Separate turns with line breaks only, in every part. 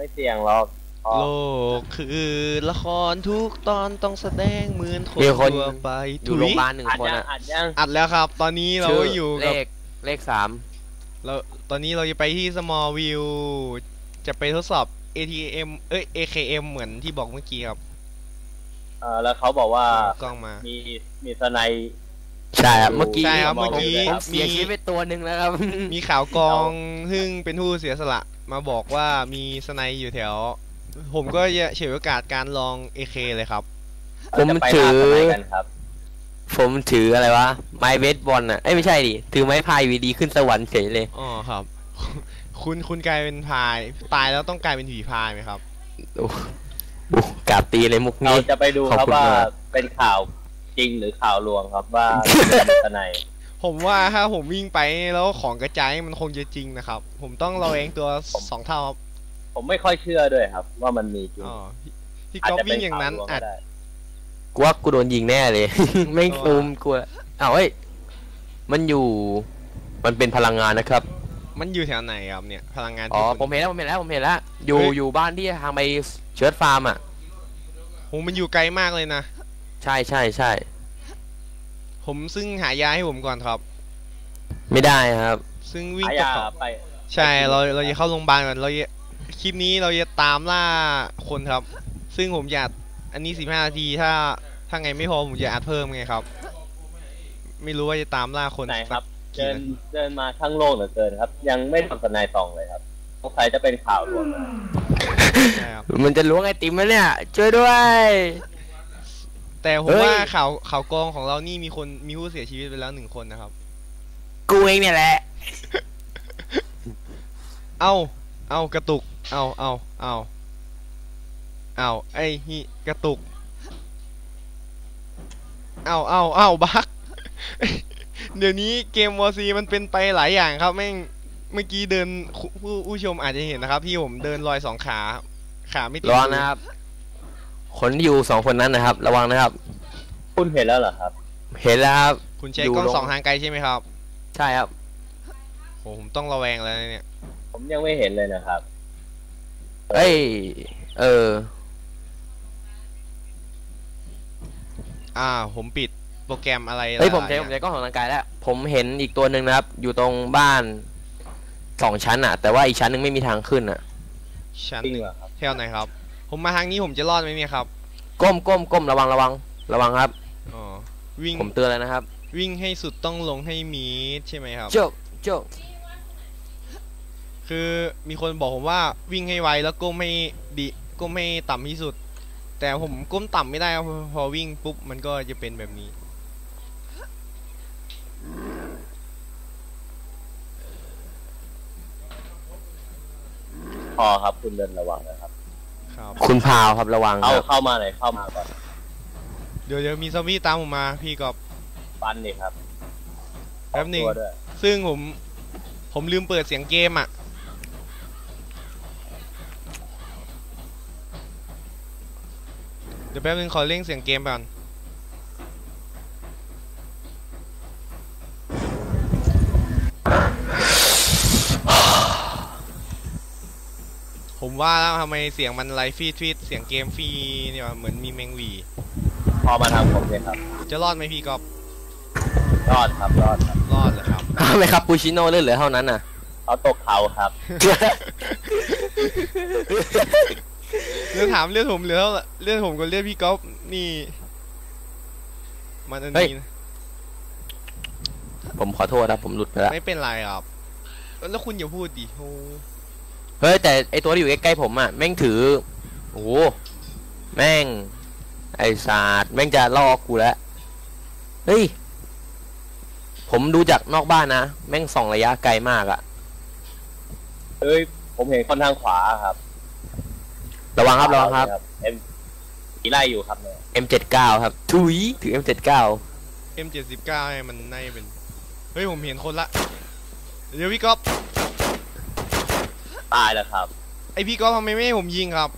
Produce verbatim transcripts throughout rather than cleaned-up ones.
ไม่เสี่ยงหรอก
โลกคือละครทุกตอนต้องแสดงเหมือนคนทั่วไป
อยู่โรงพยาบาลหนึ่งคน
อะอัดยัง
อัดแล้วครับตอนนี้เราก็อยู่
เลขเลขสาม
เราตอนนี้เราจะไปที่ small view จะไปทดสอบ เอ ที เอ็ม เอ้ย เอ เค เอ็ม เหมือนที่บอกเมื่อกี้ครับ
เออแล้วเขาบอกว่าก
ล้องมา
มีมีสไน
ใช่ครับเมื่อกี้
ใช่ครับเมื่อกี้
มีคลิปไปตัวหนึ่งแล้วครับ
มีข่าวกองซึ่งเป็นผู้เสียสละมาบอกว่ามีสไนอยู่แถวผมก็จะเฉยโอกาสการลอง เอ เค เลยครับ
ผมถือผมถืออะไรวะไม้เบสบอลอ่ะเอ้ยไม่ใช่ดิถือไม้พายวีดีขึ้นสวรรค์เฉยเลย
อ๋อครับคุณคุณกลายเป็นพายตายแล้วต้องกลายเป็นผีพายไหมครับ
โอ้กาบตีเลยมุกนี้
เราจะไปดูครับว่าเป็นข่าวจริงหรือข่าวลวงครับว่าสไน
ผมว่าถ้าผมวิ่งไปแล้วของกระจายมันคงจะจริงนะครับผมต้องเราเองตัวสองเท่าครับ
ผมไม่ค่อยเชื่อด้วยครับว่ามันมีจริง
ที่ก๊อฟวิ่งอย่างนั้นอาจ
กูว่ากูโดนยิงแน่เลยไม่ตูมกูอ้าวเฮ้ยมันอยู่มันเป็นพลังงานนะครับ
มันอยู่แถวไหนครับเนี่ยพลังงาน
อ๋อผมเห็นแล้วผมเห็นแล้วผมเห็นแล้วอยู่อยู่บ้านที่ทางไปเชิร์ตฟาร์มอ่ะ
โหมันอยู่ไกลมากเลยนะ
ใช่ใช่ใช่
ผมซึ่งหายาให้ผมก่อนครับ
ไม่ได้ครับ
ซึ่งวิ่งตกไปใช่เราเราจะเข้าโรงพยาบาลก่อนเราคลิปนี้เราจะตามล่าคนครับซึ่งผมอยากอันนี้สิบห้านาทีถ้าถ้าไงไม่พอผมจะอัดเพิ่มไงครับไม่รู้ว่าจะตามล่าคน
ไหนครับเดินเดินมาข้างโลกเหลือเกินครับยังไม่ทำสนายสองเลยครับสงสัยจะเป็นข่าวลวง
มันจะล้วงไอติมไหมเนี่ยช่วยด้วย
แต่ผมว่าข่าวข่าวกองของเรานี่มีคนมีผู้เสียชีวิตไปแล้วหนึ่งคนนะครับ
กูเองเนี่ยแหละ
เอาเอากระตุกเอาเอาเอาเอาไอ้ฮีกระตุกเอาเอาเอาบักเดี๋ยวนี้เกมวอซีมันเป็นไปหลายอย่างครับแม่งเมื่อกี้เดินผู้ผู้ชมอาจจะเห็นนะครับที่ผมเดินลอยสองขาขาไม่ติด
ระวังนะครับคนที่อยู่สองคนนั้นนะครับระวังนะครับ
คุณเห็นแล้วเหรอครับ
เห็นแล้วครับ
คุณใช้กล้องสองทางไกลใช่ไหมครับ
ใช่ครับ
โหผมต้องระแวงแล้วเนี่ย
ผมยังไม่เห็นเลยนะครับ
เอ้ยเออ
อ่าผมปิดโปรแกรมอะไร
เฮ้ยผมใช้ผมใช้กล้องสองทางไกลแล้วผมเห็นอีกตัวหนึ่งนะครับอยู่ตรงบ้านสองชั้นอ่ะแต่ว่าอีกชั้นหนึ่งไม่มีทางขึ้นอ่ะ
ชั้นหนึ่งแถวไหนครับผมมาทางนี้ผมจะรอดไหมเนี่ยครับ
ก้มก้มก้มระวังระวังระวังครับ
อ๋อวิ่ง
ผมเตือนแล้วนะครับ
วิ่งให้สุดต้องลงให้มีใช่ไหมครับ
โจ๊กโจ๊ก
คือมีคนบอกผมว่าวิ่งให้ไวแล้วก้มให้ดีก้มให้ต่ำที่สุดแต่ผมก้มต่ำไม่ได้พอวิ่งปุ๊บมันก็จะเป็นแบบนี้
พอครับคุณเดินระวังนะครับ
คุณพาวครับระวัง
เข้าเข้ามาเลยเข้ามาก่อน
เดี๋ยวเดี๋ยวมีซอมบี้ตามผมมาพี่กอบ
ปันนี่ครับ
แป๊บนึงซึ่งผมผมลืมเปิดเสียงเกมอ่ะเดี๋ยวแป๊บนึงขอเล่งเสียงเกมก่อนผมว่าแล้วทำไมเสียงมันไลฟ์ฟีดฟีดเสียงเกมฟรีเนี่ยเหมือนมีแมงวี
พอมาทำผมเลยครับ
จะรอดไหมพี่กอบ
รอดครับรอดครับ
รอดเลยครับ
ไม่ครับปูชิโน่เลือดเหลือเท่านั้นน่ะ
เขาตกเขาครับ
เรื่องถามเรื่องผมเหลือเท่าเรื่องผมกับเรื่องพี่กอบนี่มันอันนี้
ผมขอโทษนะผมหลุดไปแล้ว
ไม่เป็นไรครับแล้วคุณอย่าพูดดิโอ้
เฮ้ยแต่ไอตัวที่อยู่ใกล้ๆผมอ่ะแม่งถือโอ้แม่งไอศาสตร์แม่งจะล่อกูแล้วเฮ้ยผมดูจากนอกบ้านนะแม่งส่องระยะไกลมากอ่ะ
เฮ้ยผมเห็นคนทางขวาครับ
ระวังครับระวังครับ
เอ็มขี่ไล่อยู่ครับเนี่ย
เอ็ม เจ็ดสิบเก้า ครับถุยถือ เอ็ม เจ็ดสิบเก้า
เอ็ม เจ็ดสิบเก้า มันน่าจะเป็นเฮ้ยผมเห็นคนละเดี๋ยวพี่ก๊อฟ
ตายแล้วครับ
ไอพี่ก๊อฟทำไมไม่ให้ผมยิงครับ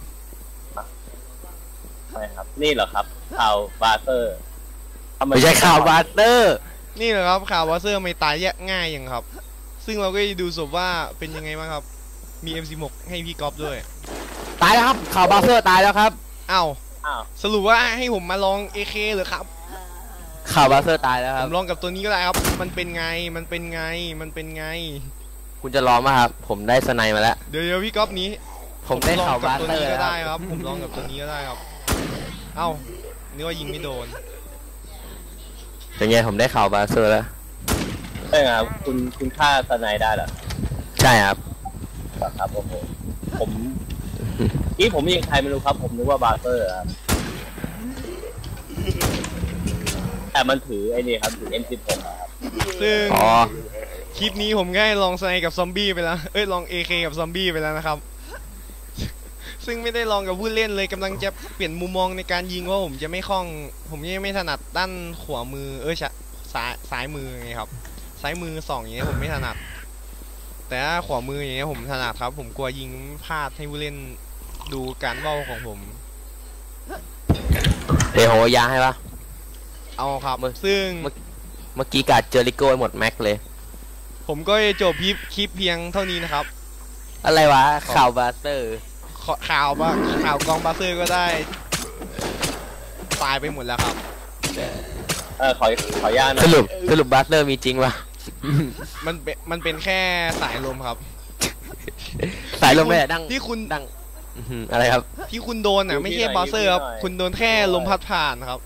ไม่ครับนี่เหรอครับข่าวบาร์เตอร์
ไม่ใช่ข่าวบาร์เตอร์
นี่เหรอครับข่าวบาร์เตอร์ไม่ตายแยกง่ายอย่างครับซึ่งเราก็ดูศพว่าเป็นยังไงบ้างครับมี เอ็ม สิบหก ให้พี่ก๊อฟด้วย
ตายแล้วครับข่าวบาเซอร์ตายแล้วครับ
อ้าว
อ้าว
สรุปว่าให้ผมมาลอง เอ เค เหรือครับ
ข่าวบาเซอร์ตายแล้วค
ผ
รับ
มลองกับตัวนี้ก็ได้ครับ มันเป็นไง มันเป็นไง มันเป็นไง
คุณจะลองไหมครับ ผมได้สไนมาแล้ว
เดี๋ยวเดี๋ยวพี่ก๊อฟนี้
ผมได้
ลอง
ข่าว
กับบ
า
ตัว
เซอ
นี้
ร์
ก็
แล้ว
ได้ครับ ผมลองกับตัวนี้ก็ได้ครับ เอ้านึกว่ายิงไม่โดน
เป็นไงผมได้ข่าวบาเซอร์แล้ว
ใช่ครับคุณคุณฆ่าสไนได้เหรอ
ใช่ครับ
ครับโอ้โหผมนี่ผมยิงใครไม่รู้ครับ ผมนึกว่าบาร์เซอร์ครับแต่มันถือไอ้นี่ครับถือ เอ็ม สิบหก ครับ
ซึ่ง
อ๋อ
คลิปนี้ผมก็ให้ลองสไนกับซอมบี้ไปแล้ว เอ้ยลอง เอ เค กับซอมบี้ไปแล้วนะครับ ซึ่งไม่ได้ลองกับผู้เล่นเลยกำลังจะเปลี่ยนมุมมองในการยิงว่าผมจะไม่คล่อง ผมยังไม่ถนัดด้านขวามือ เอ้ยซ้ายซ้ายมือไงครับ ซ้ายมือสองอย่างเงี้ยผมไม่ถนัด แต่ถ้าขวามืออย่างเงี้ยผมถนัดครับ ผมกลัวยิงพลาดให้ผู้เล่นดูการเว้าของผม
เดี๋ยวโหยาให้ปะ
เอาครับ
มึง
ซึ่ง
เมื่อกี้กัดเจอริโก้ไปหมดแม็กเลย
ผมก็จะจบคลิปคลิปเพียงเท่านี้นะครับ
อะไรวะข่าวบาเซอร์
ขอข่าวว่าข่าวกองบาเซอร์ก็ได้ตายไปหมดแล้วครับ
เออขอขออนุญาตนะ
สรุปสรุปบาเซอร์มีจริงปะ
มันเป็นมันเป็นแค่สายลมครับ
สายลมเลยอะดัง
ที่คุณ
ดังอื้อหืออะไรครับ
ที่คุณโดนอ่ะไม่ใช่บาเซอร์ครับคุณโดนแค่ลมพัดผ่านครับ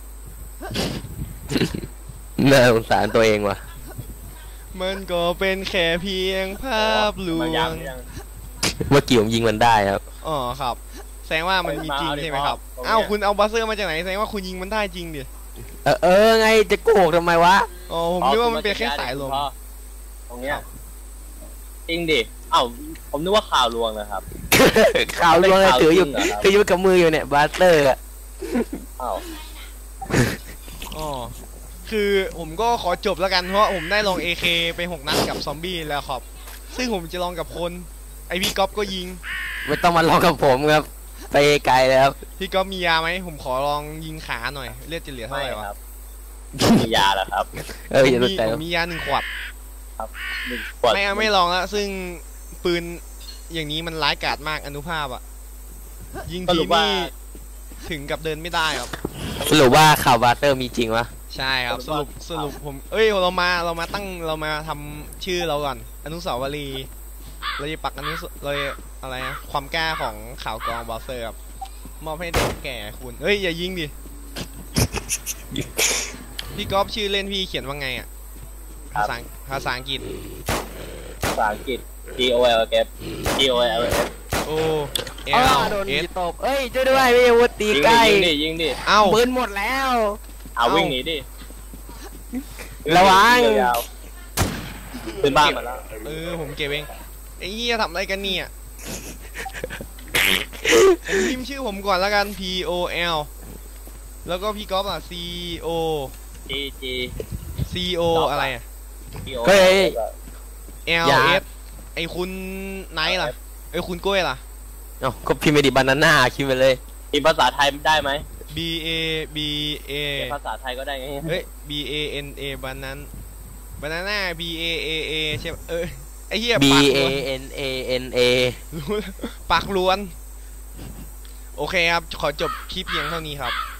น่าสงสารตัวเองว่ะ
มันก็เป็นแค่เพียงภาพลว
มายัง
ง
ยัง
เมื่อกี้ผมยิงมันได้ครับ
อ๋อครับ แสดงว่ามันมีจริง
มาเอาดิ
ใช่ไหมครับ
พ่อ
อ้าวคุณเอาบาเซอร์มาจากไหนแสดงว่าคุณยิงมันได้จริงดิ
เออเออไงจะโกหกทำไมวะ
อ๋อผมนึกว่ามันเป็นแค่สายลม
พ่อตรงเนี้ยจริงดิเอ้าผมนึกว่าข่าวลวงนะครับ
ข่าวลวงเลยถืออยู่
เป็นข่าวจริงเหรอครับ
ถืออยู่กับมืออยู่เนี่ยบาเซอร์อะ
เอ้า
อ๋อคือผมก็ขอจบแล้วกันเพราะผมได้ลอง เอ เค ไปหกนัดกับซอมบี้แล้วครับ ซึ่งผมจะลองกับคนไอพี่ก๊อฟก็ยิง
ไม่ต้องมาลองกับผมครับ ไปไกลแล้วครับ
พี่ก๊อฟมียาไหมผมขอลองยิงขาหน่อยเลือดจะเหลือเท่า
ไม่
ไหร่วะ
ครับมียาแล้วครับ
เออ
ผม
อย่าส
มี
นใจ
ผมมียาหนึ่งขวด
หนึ่งขวด
ไม่เอาไม่ลองแล้วซึ่งปืนอย่างนี้มันร้ายกาจมากอนุภาพอะยิง
ส
ที
รุปว่า
นี่ถึงกับเดินไม่ได้ครับ
สรุปว่าข่าวบาเซอร์มีจริงวะ
ใช่ครับสรุปสรุปผมเอ้ยเรามาเรามาตั้งเรามาทำชื่อเราก่อนอนุสาวรีย์เราจะปักอนุสเราจะอะไรนะความกล้าของข่าวกรองบาเซอร์ครับมอบให้เด็กแก่คุณเฮ้ยอย่ายิงดิพี่ก๊อฟชื่อเล่นพี่เขียนว่าไงอ่ะภาษาภาษาอังกฤษ
ภาษาอังกฤษ G O L F G O L F
โอเอ
อ้า
ล
วโดน
เอ
มี
ส
ตบเอ้ยช่วยด้วยพี่อาวุธตี
ยิง
ใก
ดิ
ล้
ยิงดิยิงดิ
เอ้า
ปืนหมดแล้ว
เอาวิ่งหนีดิ
ระวัง
ยาวๆขึ้นบ้านมาแล้ว
เออผมเก็บเองไอ้เหี้ยทำอะไรกันเนี่ยผมพิมพ์ชื่อผมก่อนแล้วกัน P O L แล้วก็พี่ก๊อฟอ่ะ C O
G G
C O อะไรอ่ะ
G O
เฮ้ย
L
อย่า
S ไอคุณไนท์ล่ะไอคุณกล้วยล่ะ
เอ้าก็พิมพ์ไปดิบานาน่าคิดไปเลย
มีภาษาไทยได้ไหม
B A B A
เขียนภาษาไทยก็ได้ไง
เฮ้ย B A N A บานั้นบานาน่า B A A A ใช่ปะเออไอเหี้ย
B
ปาก
A
ล้วน
N A N A
รู้แล้วปากล้วน โอเคครับ ขอจบคลิปเพียงเท่านี้ครับ